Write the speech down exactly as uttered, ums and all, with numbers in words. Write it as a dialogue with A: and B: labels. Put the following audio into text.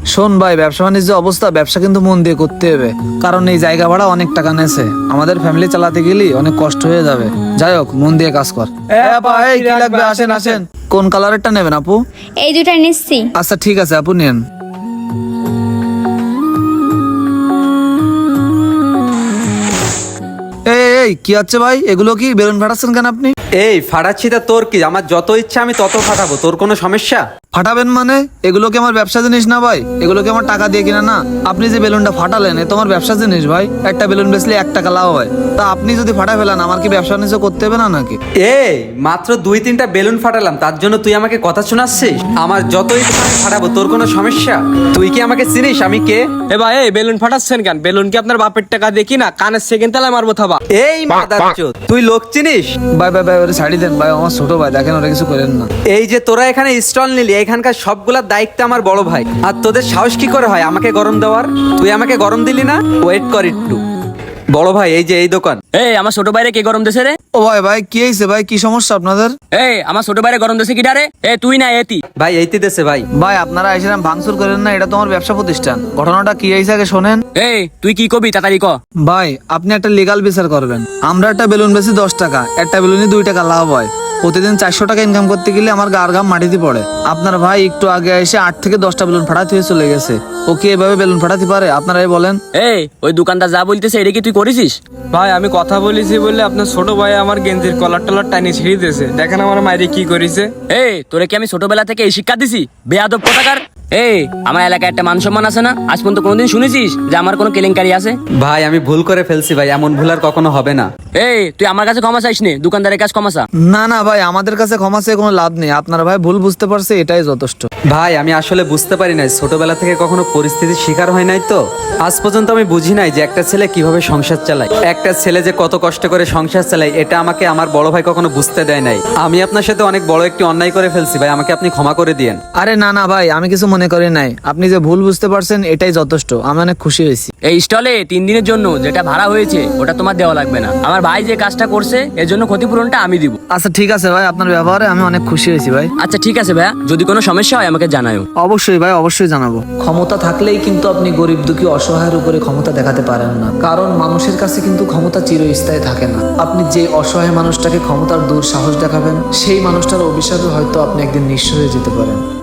A: শোন ভাই, ব্যবসা বাণিজ্য অবস্থা, ব্যবসা কিন্তু মন দিয়ে করতে হবে, কারণ এই জায়গা ভাড়া অনেক টাকা নেছে, আমাদের ফ্যামিলি চালাতে গেলে অনেক কষ্ট হয়ে যাবে। যাই হোক, মন দিয়ে কাজ কর। এ আপা, এই কি লাগবে? আসেন আসেন। কোন কালারেরটা নেবেন আপু?
B: এই দুটা নিচ্ছি।
A: আচ্ছা ঠিক আছে আপু, নেন। এই এই কি হচ্ছে ভাই? এগুলো কি বেলুন ফাটাচ্ছেন কেন আপনি?
C: এই ফাটাচ্ছি তা তোর কি? আমার যত ইচ্ছা আমি তত ফাটাবো, তোর কোনো সমস্যা?
A: ফাটাবেন মানে? এগুলো কি আমার ব্যবসা জিনিস না ভাই? এগুলো কি আমার টাকা দিয়ে কিনা না? আপনি যে বেলুনটা ফাটালেন, এ তোমার ব্যবসা জিনিস ভাই। একটা বেলুন বেচলে এক টাকা লাভ হয়, তা আপনি যদি ফাটা ফেলেন, আমার কি ব্যবসা বাণিজ্য করতে হবে না নাকি?
C: এই মাত্র দুই তিনটা বেলুন ফাটালাম, তার জন্য তুই আমাকে কথা শোনাচ্ছিস? আমার যত ইচ্ছা আমি ফাটাবো, তোর কোনো সমস্যা? তুই কি আমাকে চিনিস? আমি কে?
D: এ ভাই, এই বেলুন ফাটাচ্ছেন কেন? বেলুন কি আপনার বাপের টাকা দেখি না কানের সেকেন্ড তালায় মারবো থাবা।
C: এই মাদারচোদ, তুই লোক চিনিস?
A: ভাই ভাই ভাই, ওরে ছাড়ি দেন ভাই, আমার ছোট ভাই, দেখেন ওরা কিছু করেন না।
C: এই যে তোরা এখানে স্টল নিলি, এখানকার সবগুলা দায়িত্ব আমার বড় ভাই। আর তোদের সাহস কি করে হয় আমাকে গরম দেওয়ার? তুই আমাকে গরম দিলি না? ওয়েট কর একটু। বড় ভাই, এই যে এই দোকান।
D: এই আমার ছোট ভাইরে কে গরম দেছে রে?
A: ও ভাই ভাই, কি হয়েছে ভাই? কি সমস্যা আপনাদের?
D: এই আমার ছোট ভাইরে গরম দেছে কি ডারে? এ তুই না এতি?
C: ভাই এইতে দেশে ভাই।
A: ভাই আপনারা এসে ভাঙচুর করেন না, এটা তোমার ব্যবসা প্রতিষ্ঠান। ঘটনাটা কি হয়েছে আগে শোনেন।
D: এই তুই কি কবি তাড়াতাড়ি ক।
A: ভাই আপনি একটা লিগাল বিচার করবেন। আমরা একটা বেলুন বেশি দশ টাকা, একটা বেলুনই দুই টাকা লাভ হয়। প্রতিদিন চারশো টাকা ইনকাম করতে গেলে আমার গার ঘাম মাটিতে পড়ে। আপনার ভাই একটু আগে এসে আট থেকে দশটা বেলুন ফাটাতে হয়ে চলে গেছে। ও কি এভাবে বেলুন ফাটাতে পারে? আপনারাই বলেন।
D: এই ওই দোকানদার যা বলতেছে এটা কি তুই করেছিস?
E: ভাই আমি কথা বলেছি বলে আপনার ছোট ভাই আমার গেঞ্জির কলার টলার টানি ছিঁড়ে দিয়েছে। দেখেন আমার মায়ের কি করেছে।
D: এই তোরে কি আমি ছোটবেলা থেকে এই শিক্ষা দিছি? বেয়াদব কোথাকার! এই আমার এলাকায় একটা মান সম্মান আছে না? আজ পর্যন্ত কোনোদিন শুনেছিস যে আমার কোনো কেলেঙ্কারি আছে?
C: ভাই আমি ভুল করে ফেলছি ভাই, এমন ভুল আর কখনো হবে না।
D: এই তুই আমার কাছে ক্ষমা চাইস নে, দোকানদারের কাছে ক্ষমা চা।
A: না না ভাই, আমাদের কাছে ক্ষমা চেয়ে কোনো লাভ নেই। আপনার ভাই ভুল বুঝতে পারছে, এটাই যথেষ্ট।
C: ভাই আমি আসলে বুঝতে পারি নাই, ছোটবেলা থেকে কখনো পরিস্থিতির শিকার হয় নাই তো। আজ পর্যন্ত আমি বুঝি নাই যে একটা ছেলে কিভাবে সংসার চালায়, একটা ছেলে যে কত কষ্ট করে সংসার চালায়, এটা আমাকে আমার বড় ভাই কখনো বুঝতে দেয় নাই। আমি আপনার সাথে অনেক বড় একটি অন্যায় করে ফেলছি ভাই, আমাকে আপনি ক্ষমা করে দিয়েন।
A: আরে না না ভাই, আমি কিছু মনে করি নাই। আপনি যে ভুল বুঝতে পারছেন এটাই যথেষ্ট। আমি অনেক খুশি হয়েছি।
D: এই স্টলে তিন দিনের জন্য যেটা ভাড়া হয়েছে ওটা তোমার দেওয়া লাগবে না। আমার ভাই যে কাজটা করছে এর জন্য ক্ষতিপূরণটা আমি দিব।
A: আচ্ছা ঠিক আছে ভাই, আপনার ব্যবহারে আমি অনেক খুশি হয়েছি ভাই।
D: আচ্ছা ঠিক আছে ভাইয়া, যদি কোনো সমস্যা হয় আমাকে জানাও।
A: অবশ্যই ভাই, অবশ্যই জানাবো। ক্ষমতা থাকলেই কিন্তু আপনি গরিব দুঃখী অসহায়ের উপরে ক্ষমতা দেখাতে পারেন না, কারণ মানুষের কাছে কিন্তু ক্ষমতা চিরস্থায়ী থাকে না। আপনি যে অসহায় মানুষটাকে ক্ষমতার দূর সাহস দেখাবেন, সেই মানুষটার অভিশাপে হয়তো আপনি একদিন নিঃস্ব হয়ে যেতে পারেন।